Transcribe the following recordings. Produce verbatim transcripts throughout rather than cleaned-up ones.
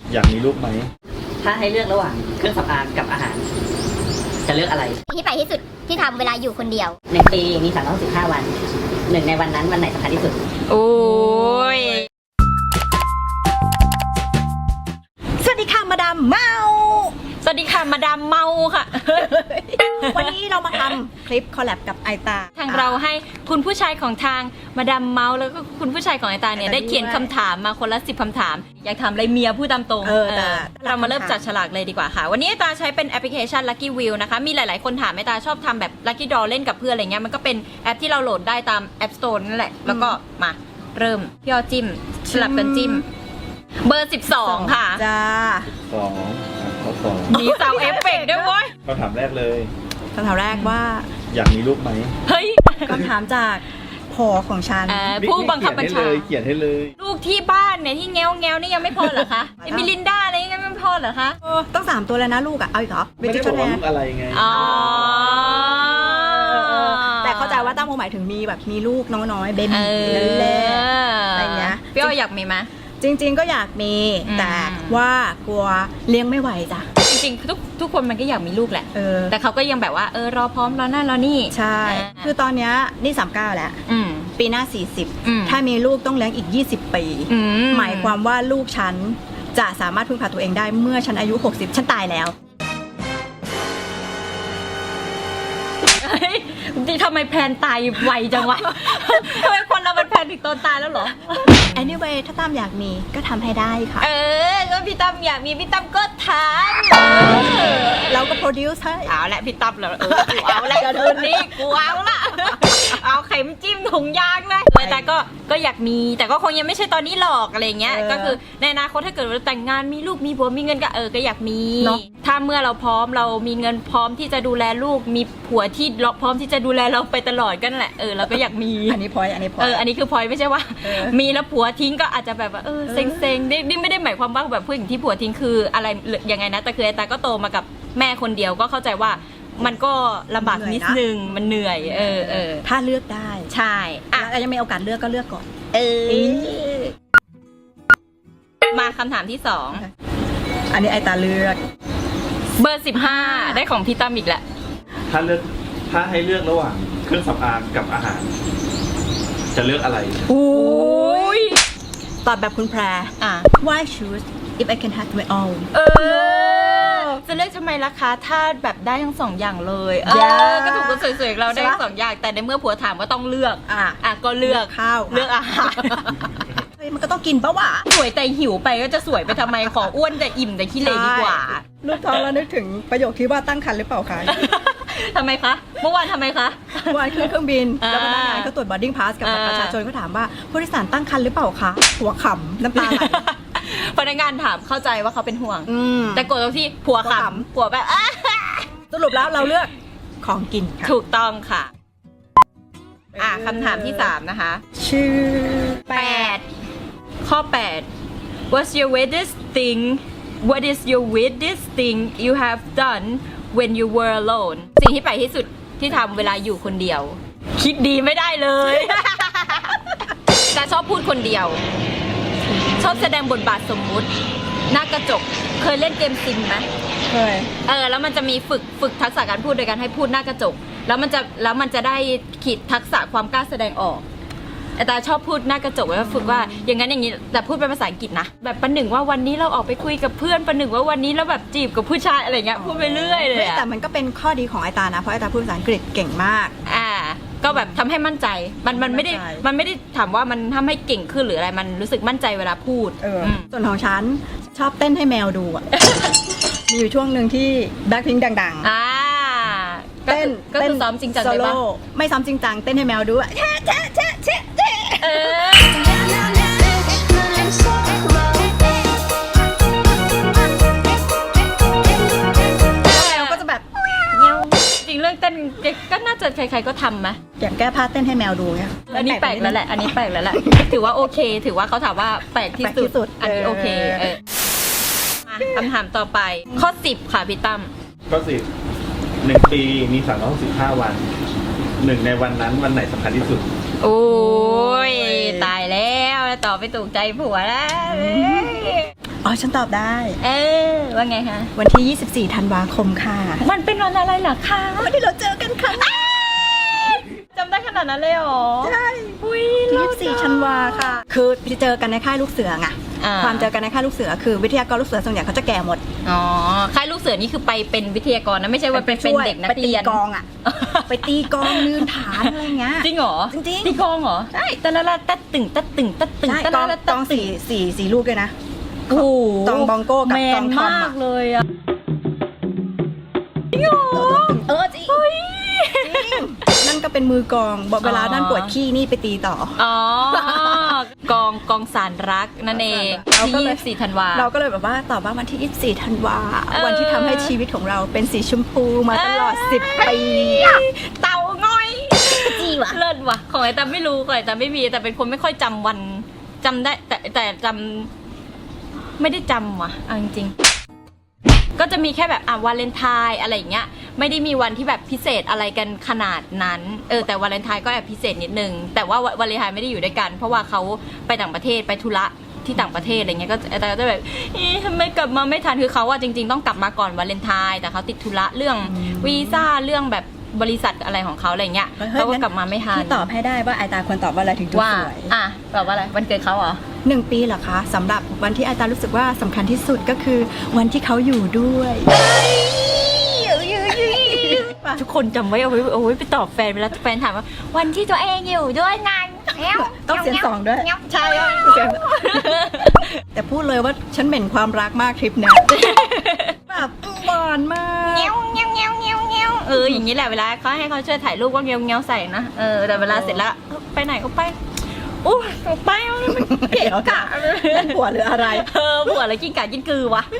อยากมีลูกไหมถ้าให้เลือกระหว่างเครื่องสำอางกับอาหารจะเลือกอะไรที่ไปที่สุดที่ทำเวลาอยู่คนเดียวหนึ่งปีมีสามร้อยหกสิบห้าวันหนึ่งในวันนั้นวันไหนสำคัญที่สุดโอ้ยสวัสดีค่ะมาดามเมาสวัสดีค่ะมาดามเมาค่ะวันนี้เรามาทำคลิปคอลแลบกับไอตาทางเราให้คุณผู้ชายของทางมาดามเมาแล้วก็คุณผู้ชายของไอตาเนี่ยได้เขียนคำถามมาคนละสิบคำถามอยากถามอะไรเมียพูดตามตรงเออเรามาเริ่มจัดฉลากเลยดีกว่าค่ะวันนี้ไอตาใช้เป็นแอปพลิเคชัน Lucky Wheel นะคะมีหลายๆคนถามไอตาชอบทำแบบ Lucky Draw เล่นกับเพื่อนอะไรเงี้ยมันก็เป็นแอปที่เราโหลดได้ตาม App Store นั่นแหละแล้วก็มาเริ่มพี่ออจิ้มสลับกันจิ้มเบอร์สิบสองค่ะจ้าสองข้อสองมีซาวเอฟเฟกต์ด้วยเว้ยคำถามแรกเลยคำถามแรกว่าอยากมีลูกไหมเฮ้ยคำถามจากพอของฉันผู้บังคับบัญชาเขียนให้เลยลูกที่บ้านเนี่ยที่แง้วแง้วนี่ยังไม่พอเหรอคะไอ้มิลินดาอะไรยังไม่พอเหรอคะต้องสามตัวแล้วนะลูกอ่ะเอาอีกเหรอไม่ได้บอกว่าลูกอะไรไงอ๋อแต่เข้าใจว่าตั้งหมายถึงมีแบบมีลูกน้อยๆเบบี้เล็กๆอะไรเงี้ยพี่อ้อยอยากมีไหมจริงๆก็อยากมีแต่ว่ากลัวเลี้ยงไม่ไหวจ้ะจริงๆทุกทุกคนมันก็อยากมีลูกแหละเออแต่เขาก็ยังแบบว่าเออรอพร้อมรอหน้ารอนี่ใช่คือตอนเนี้ยนี่สามสิบเก้าแล้วปีหน้าสี่สิบถ้ามีลูกต้องเลี้ยงอีกยี่สิบปีหมายความว่าลูกฉันจะสามารถพึ่งพาตัวเองได้เมื่อฉันอายุหกสิบฉันตายแล้วดิทำไมแพนตายไวจังวะทำไมคนเราเป็นแพนถึงตอนตายแล้วเหรอ anyway ถ้าตั้มอยากมีก็ทำให้ได้ค่ะเออก็พี่ตั้มอยากมีพี่ตั้มก็ทำเราก็ produce ให้เอาละพี่ตั้มแล้วเออกูเอาละคืนนี้กูเอาละเอาเข็มจิ้มถุงยางเลยแต่ก็ก็อยากมีแต่ก็คงยังไม่ใช่ตอนนี้หรอกอะไรเงี้ยก็คือในอนาคตถ้าเกิดเราแต่งงานมีลูกมีผัวมีเงินก็เออก็อยากมีถ้าเมื่อเราพร้อมเรามีเงินพร้อมที่จะดูแลลูกมีผัวที่พร้อมที่จะดูแลเราไปตลอดกันแหละเออเราก็อยากมีอันนี้พอยอันนี้พอยเอออันนี้คือพอยไม่ใช่ว่ามีแล้วผัวทิ้งก็อาจจะแบบว่าเออเซ็งเซ็งนี่ไม่ได้หมายความว่าแบบผู้หญิงที่ผัวทิ้งคืออะไรยังไงนะแต่คือไอ้ตาก็โตมากับแม่คนเดียวก็เข้าใจว่ามันก็ลำบากนิดนึงมันเหนื่อยเออเออถ้าเลือกได้ใช่อ่ะยังมีโอกาสเลือกก็เลือกก่อนเออมาคำถามที่สองอันนี้ไอตาเลือกเบอร์สิบห้าได้ของพี่ตั้มอีกแหละถ้าเลือกถ้าให้เลือกระหว่างเครื่องสำอางกับอาหารจะเลือกอะไรโอ้ยตอบแบบคุณแพรอ่ะ Why choose if I can have my own เออจะเลือกทำไมล่ะคะถ้าแบบได้ทั้งสองอย่างเลยเออก็ถูกคนสวยๆเราได้ทั้งสองอย่างแต่ในเมื่อผัวถามว่าต้องเลือกอ่ะอ่ะก็เลือกข้าวเลือกอาหารเฮ้ยมันก็ต้องกินปะวะสวยแต่หิวไปก็จะสวยไปทำไมขออ้วนแต่อิ่มแต่ขี้เหร่ดีกว่าลูกท้องแล้วนึกถึงประโยคที่ว่าตั้งครรภ์หรือเปล่าคะทำไมคะเมื่อวานทำไมคะเมื่อวานขึ้นเครื่องบินแล้วพนักงานก็ตรวจ boarding pass กับประชาชนก็ถามว่าผู้โดยสารตั้งครรภ์หรือเปล่าคะหัวขำน้ำตาไหลพนักงานถามเข้าใจว่าเขาเป็นห่วงแต่กดตรงที่ผัวขำผัวแบบสรุปแล้วเราเลือกของกินค่ะถูกต้องค่ะอ่ะคำถามที่สามนะคะชื่อแปดข้อแปด What's your weirdest thing What is your weirdest thing you have done when you were alone สิ่งที่แปลกที่สุดที่ทำเวลาอยู่คนเดียวคิดดีไม่ได้เลยแต่ชอบพูดคนเดียวชอบแสดงบทบาทสมมุติหน้ากระจกเคยเล่นเกมซิมไหมเคยเออแล้วมันจะมีฝึกฝึกทักษะการพูดโดยการให้พูดหน้ากระจกแล้วมันจะแล้วมันจะได้ขีดทักษะความกล้าแสดงออกแต่ชอบพูดหน้ากระจกไว้ว่าฝึกว่าอย่างนั้นอย่างนี้แต่พูดเป็นภาษาอังกฤษนะแบบประหนึ่งว่าวันนี้เราออกไปคุยกับเพื่อนประหนึ่งว่าวันนี้เราแบบจีบกับผู้ชายอะไรเงี้ยพูดไปเรื่อยเลยแต่มันก็เป็นข้อดีของไอตานะเพราะไอตาพูดภาษาอังกฤษเก่งมากอ่าก็แบบทำให้มั่นใจมันมันไม่ได้มันไม่ได้ถามว่ามันทำให้เก่งขึ้นหรืออะไรมันรู้สึกมั่นใจเวลาพูดส่วนของฉันชอบเต้นให้แมวดูอ่ะมีอยู่ช่วงหนึ่งที่แบ็คพิงค์ดังๆอ่าเต้นก็คือซ้อมจริงจังเลยป่ะไม่ซ้อมจริงจังเต้นให้แมวดูอ่ะแช่แช่แช่แช่เออก็จะแบบเงี้ยจริงเรื่องเต้นก็น่าจะใครๆก็ทำไหมอย่างแก้ผ้าเต้นให้แมวดูเนี่ยอันนี้แปลกแล้วแหละอันนี้แปลกแล้วแหละถือว่าโอเคถือว่าเขาถามว่าแปลกที่สุดอันนี้โอเคเออคำถามต่อไปข้อสิบค่ะพี่ตั้มข้อสิบหนึ่งปีมีสามร้อยหกสิบห้าวันหนึ่งในวันนั้นวันไหนสำคัญที่สุดโอ้ยตายแล้วตอบไปถูกใจผัวแล้วอ๋อฉันตอบได้เออว่าไงคะวันที่ยี่สิบสี่ธันวาคมค่ะมันเป็นวันอะไรเหรอคะวันที่เราเจอกันครั้งแรกจำได้ขนาดนั้นเลยเหรอใช่อุ้ยยี่สิบสี่ธันวาค่ะ คือเจอกันในค่ายลูกเสือไงอ่าความเจอกันในค่ายลูกเสือคือวิทยากรลูกเสือส่วนใหญ่เขาจะแก่หมดอ๋อค่ายลูกเสือนี่คือไปเป็นวิทยากรนะไม่ใช่ว่าเป็นเป็นเด็กนักเรียนไปตีกองอ่ะ ไปตีกองลืนฐานอะไรเงี้ยจริงเหรอจริงๆตีกองเหรอใช่แต่ละละตัดตึงตัดตึงตัดตึงใช่ตัดกองละละกตัอดงตึสี่สี่สี่ลูกเลยนะโอ้โหตองบองโก้กับแมตอน งทอมมาอะกเลยอ่ะจริงเหรอเออจริงนั่นก็เป็นมือกองบอกเวลานั่นปวดขี้นี่ไปตีต่ออ๋อกองกองสารรักนั่นเองเราก็ที่เลยยี่สิบสี่ธันวาเราก็เลยแบบว่าตอบว่าวันที่ยี่สิบสี่ธันวาเออวันที่ทำให้ชีวิตของเราเป็นสีชมพูมาตลอดสิบปีเต่าง่อยจีวะเลิศว่ะของไอ้ตาไม่รู้ของไอ้ตาไม่มีแต่เป็นคนไม่ค่อยจำวันจำได้แต่แต่จำไม่ได้จำว่ะเอาจริงๆก็จะมีแค่แบบอ่ะวาเลนไทน์อะไรอย่างเงี้ยไม่ได้มีวันที่แบบพิเศษอะไรกันขนาดนั้นเออแต่วาเลนไทน์ก็แอบพิเศษนิดนึงแต่ว่าวาเลนไทน์ไม่ได้อยู่ด้วยกันเพราะว่าเขาไปต่างประเทศไปธุระที่ต่างประเทศอะไรเงี้ยก็แต่ก็จะแบบเอ๊ะทำไมกลับมาไม่ทันคือเขาอะจริง ๆต้องกลับมาก่อนวาเลนไทน์แต่เขาติดธุระเรื่องวีซ่าเรื่องแบบบริษัทอะไรของเขาอะไรเงี้ยเฮ้ยเขาก็งั้นกลับมาไม่ทันพี่ตอบให้ได้ว่าไอตาควรตอบว่าอะไรถึงจะว่าสวยอ่ะแบบว่าอะไรวันเกิดเขาเหรอหนึ่งปีเหรอคะสำหรับวันที่ไอตารู้สึกว่าสำคัญที่สุดก็คือวันที่เขาอยู่ด้วยทุกคนจำไว้เอาไว้เอาไว้ไปตอบแฟนเวลาแฟนถามว่าวันที่ตัวเองอยู่ด้วยไงแง้วต้องเสียงสองด้วย ใช่เสียงแต่พูดเลยว่าฉันเหม็นความรักมากทริปเนี้ยแบบหวานมากเงี้ยวเงี้ยวเงี้ยวเงี้ยวเงี้ยวเอออย่างนี้แหละเวลาเขาให้เขาช่วยถ่ายรูปก็เงี้ยวเงี้ยวใส่นะเออแต่เวลาเสร็จแล้วไปไหนก็ไปอู้ไปมันเกะกะเล่นผัวหรืออะไรเออผัวอะไรกินกะกินกือวะ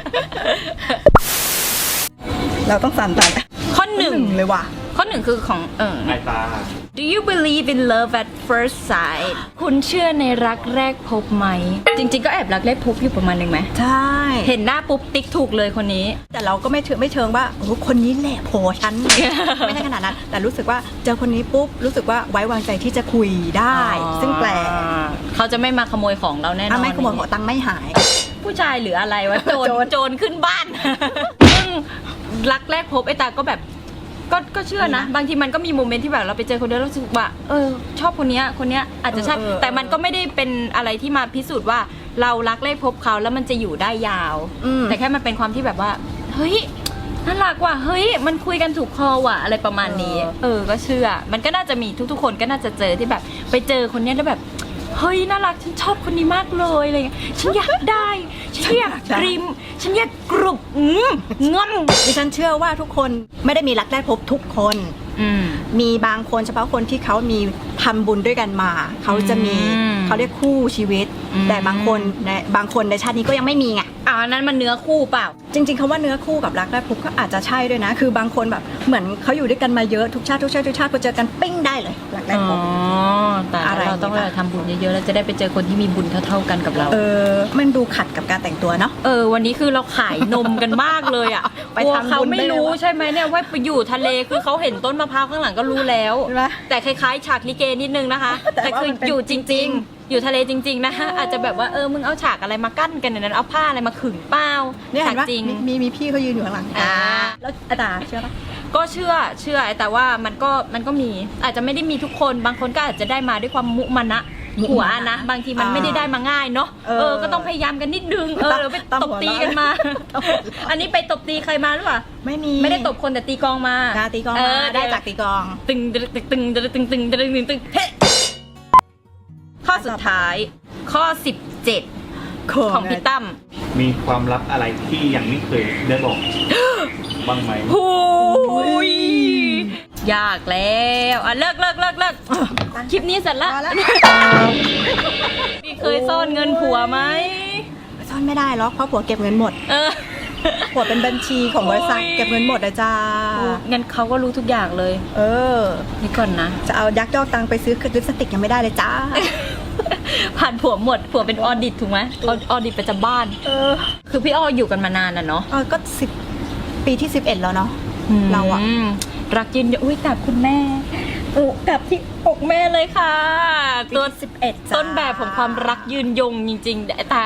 เราต้องสั่นตันข้อหนึ่งเลยว่ะข้อหนึ่งคือของเออไอตา Do you believe in love at first sight คุณเชื่อในรักแรกพบไหม จริงๆก็แอบรักแรกพบอยู่ประมาณหนึ่งไหมใช่เห็นหน้าปุ๊บติ๊กถูกเลยคนนี้แต่เราก็ไม่เชิงไม่เชิงว่าโอ้โหคนนี้แหละโผฉัน ไม่ใช่ขนาดนั้น แต่รู้สึกว่าเจอคนนี้ปุ๊บรู้สึกว่าไว้วางใจที่จะคุยได้ ซึ่งแปลกเขาจะไม่มาขโมยของเราแน่นอถ้าน ไม่ขโมยขนี้องตังค์ไม่หายผู้ชายหรืออะไรวะ โจรโจรโจรขึ้นบ้าน ซึ่งรักแรกพบไอ้ตาก็แบบก็ก็เชื่อนะ บางทีมันก็มีโมเมนต์ที่แบบเราไปเจอคนเดียวแล้วรู้สึกว่าเออชอบคนเนี้ยคนเนี้ยอาจจะใช่แต่มันก็ไม่ได้เป็นอะไรที่มาพิสูจน์ว่าเรารักแรกพบเขาแล้วมันจะอยู่ได้ยาวอืมแต่แค่มันเป็นความที่แบบว่าเฮ้ยน่ารักว่ะเฮ้ยมันคุยกันถูกคอว่ะอะไรประมาณนี้ เออก็เชื่อ มันก็น่าจะมีทุกๆคนก็น่าจะเจอที่แบบ ไปเจอคนเนี้ยแล้วแบบเฮ้ยน่ารักฉันชอบคนนี้มากเลยอะไรเงี้ยฉันอยากได้ฉันอยากกริมฉันอยากกรุบอืมงอมดิฉันเชื่อว่าทุกคนไม่ได้มีรักแรกพบทุกคนอืมมีบางคนเฉพาะคนที่เขามีทำบุญด้วยกันมา เขาจะมีอืมเขาเรียกคู่ชีวิตอืมแต่บางคนในบางคนในชาตินี้ก็ยังไม่มีไงอ่านั้นมันเนื้อคู่เปล่าจริงๆคำว่าเนื้อคู่กับรักแรกพบก็อาจจะใช่ด้วยนะ คือบางคนแบบเหมือนเขาอยู่ด้วยกันมาเยอะทุกชาติทุกชาติทุกชาติพอเจอกันปิ้งได้เลยรักแรกอ๋พอบ แต่อะไรเราต้องไปทำบุญเยอะๆแล้วจะได้ไปเจอคนที่มีบุญเท่าๆกันกับเราเออมันดูขัดกับการแต่งตัวเนาะเออวันนี้คือเราขายนมกันมากเลยอ่ะไปกลัวทำบุญเขาไม่รู้ได้เลยใช่ไหมเนี่ยว่าไปอยู่ทะเลคือเขาเห็นต้นมะพร้าวข้างหลังก็รู้แล้วใช่ไหมแต่คล้ายๆฉากลิเกนิดนึงนะคะแต่แต่ว่าคือมันเป็นอยู่จจริริงงๆ อยู่ทะเลจริงๆนะคะอาจจะแบบว่าเออมึงเอาฉากอะไรมากั้นกันในนั้นเอาผ้าอะไรมาขึงเปล่าเนี่ยฉาเห็กนว่าจริงมีมีมีพี่เขายืนอยู่ข้างหลังอ่าแล้วอาตาเชื่อปะก็เชื่อเชื่อแต่ว่ามันก็มันก็มีอาจจะไม่ได้มีทุกคนบางคนก็อาจจะได้มาด้วยความมุมานะหัวนะบางทีมันไม่ได้ได้มาง่ายเนาะเออก็ต้องพยายามกันนิดนึงเออเดี๋ยวไปตบตีกันมา อันนี้ไปตบตีใครมาหรือเปล่าไม่มีไม่ได้ตบคนแต่ตีกลองมาดาตีกลองเมาได้จากตีกลองตึงตึงตึงตึงตึงตึงตึงตึงตึงตึงเฮ้ข้อสุดท้ายข้อสิบเจ็ดของพี่ตั้มมีความลับอะไรที่ยังไม่เคยได้บอก บ้างไหมโอ้ยยากแล้วอ่ะเลิกเลิกเลิกเลิกคลิปนี้เสร็จละพอแล้วพี่เคยซ่อนเงินผัวไหมซ่อนไม่ได้หรอกเพราะผัวเก็บเงินหมดเออผัวเป็นบัญชีของบริษัทโอ้ยเก็บเงินหมดเลยจ้างั้นเขาก็รู้ทุกอย่างเลยเออนี่ก่อนนะจะเอายักยอกตังค์ไปซื้อลิปสติกยังไม่ได้เลยจ้าผ่านผัวหมดผัวเป็นออดิตถูกไหมออดิตประจำบ้านเออคือพี่อ้ออยู่กันมานานน่ะเนาะเออก็สิบปีที่สิบเอ็ดแล้วเนาะ เราอะมรักยืนยงอุ้ยกับคุณแม่โอ้กับที่อกแม่เลยค่ะตัตัว วสิบเอ็ดต้นแบบของความรักยืนยงจริงๆแต่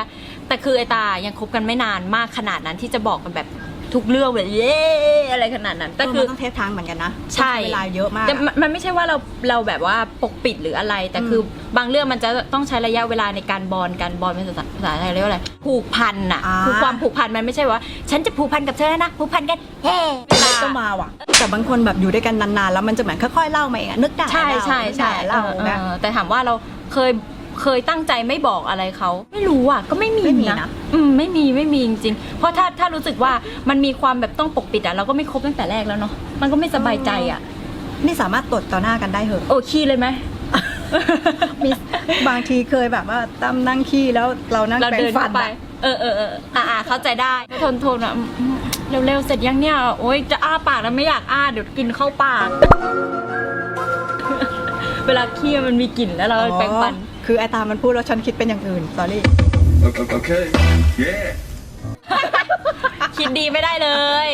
แต่คือไอตายังคบกันไม่นานมากขนาดนั้นที่จะบอกกันแบบทุกเรื่องแบบเย้อะไรขนาดนั้นแต่แต่คืคือ อต้องเทสทางเหมือนกันนะใช่เวลาเยอะมากแต่มันมันไม่ใช่ว่าเราเราแบบว่าปกปิดหรืออะไร แต่คือบางเรื่องมันจะต้องใช้ระยะเวลาในการบอนกันบอนเป็นภาษาภาษาไทยเรียกว่าอะไรผูกพันอ่ะอ่าคือความผูกพันมันไม่ใช่ว่า ฉันจะผูกพันกับเธอนะผูกพันกันเฮ้เล็กก็มาว่ะแต่บางคนแบบอยู่ด้วยกันนานๆแล้วมันจะเหมือนค่อยๆเล่ามาเองอะนึกได้ใช่ใช่ใช่เล่าเออนะเออแต่ถามว่าเราเคยเคยตั้งใจไม่บอกอะไรเขาไม่รู้อ่ะก็ไม่มีไม่มีนะนะอืมไม่มีไม่มีจริงๆเพราะถ้าถ้ารู้สึกว่ามันมีความแบบต้องปกปิดอ่ะเราก็ไม่คบตั้งแต่แรกแล้วเนาะมันก็ไม่สบายใจอ่ะนี่สามารถตดต่อหน้ากันได้เหอะโอ้ขี้เลยไหมมีบางทีเคยแบบว่าตั้มนั่งขี้แล้วเรานั่งเราแปรเดิงนฟัเข้าน ไปอะเออเออเอออ่าอ่าเข้าใจได้ทนทนอ่ะอืมอืมเร็วๆเสร็จยังเนี่ยโอ๊ยจะอ้าปากแล้วไม่อยากอ้าเดี๋ยวกินเข้าปาก เวลาขี้มันมีกลิ่นแล้วเราแปรงฟันอ๋อคือไอตามันพูดแล้วฉันคิดเป็นอย่างอื่น sorry Okay. Yeah. คิดดีไม่ได้เลย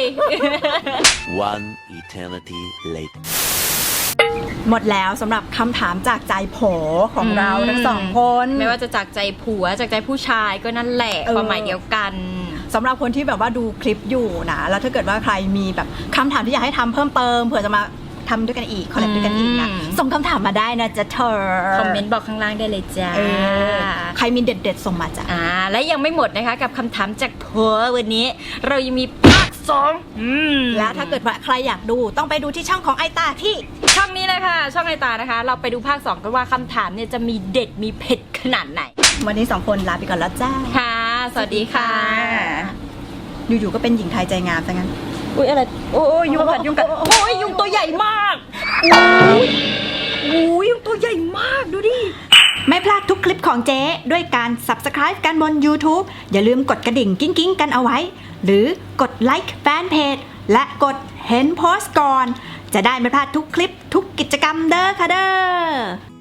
One eternity later. หมดแล้วสำหรับคำถามจากใจโผของอืมเราทั้งสองคนไม่ว่าจะจากใจผัวจากใจผู้ชายก็นั่นแหละเออความหมายเดียวกันสำหรับคนที่แบบว่าดูคลิปอยู่นะแล้วถ้าเกิดว่าใครมีแบบคำถามที่อยากให้ทำเพิ่มเติมเผื่อจะมาทำด้วยกันอีกคอลแลบด้วยกันอีกนะอืมส่งคำถามมาได้นะจ๊ะเธอคอมเมนต์บอกข้างล่างได้เลยจ้าเออใครมีเด็ดๆส่งมาจ้ะอ่าและยังไม่หมดนะคะกับคำถามจากผัววันนี้ เรายังมีภาคสองอืมและถ้าเกิดว่าใครอยากดูต้องไปดูที่ช่องของไอตาที่ช่องนี้เลยค่ะ ช่องไอตานะคะ เราไปดูภาคสองกันว่าคำถามเนี่ยจะมีเด็ดมีเผ็ดขนาดไหนวันนี้สองคนลาไปก่อนแล้วจ้าค่ะ สวัสดีค่ะอยู่ๆก็เป็นหญิงไทยใจงามซะงั้นอุ้ยอะไรโอ้ยยุงกัดยุงกัดโอ้ยยุงตัวใหญ่มากอุ้ยอุ้ยยุงตัวใหญ่มากดูดิไม่พลาดทุกคลิปของเจ๊ด้วยการ Subscribe กันบน YouTube อย่าลืมกดกระดิ่งกิ้งกิ้งๆกันเอาไว้ หรือกดไลค์แฟนเพจและกดเห็นโพสต์ก่อน จะได้ไม่พลาดทุกคลิปทุกกิจกรรมเด้อค่ะเด้อ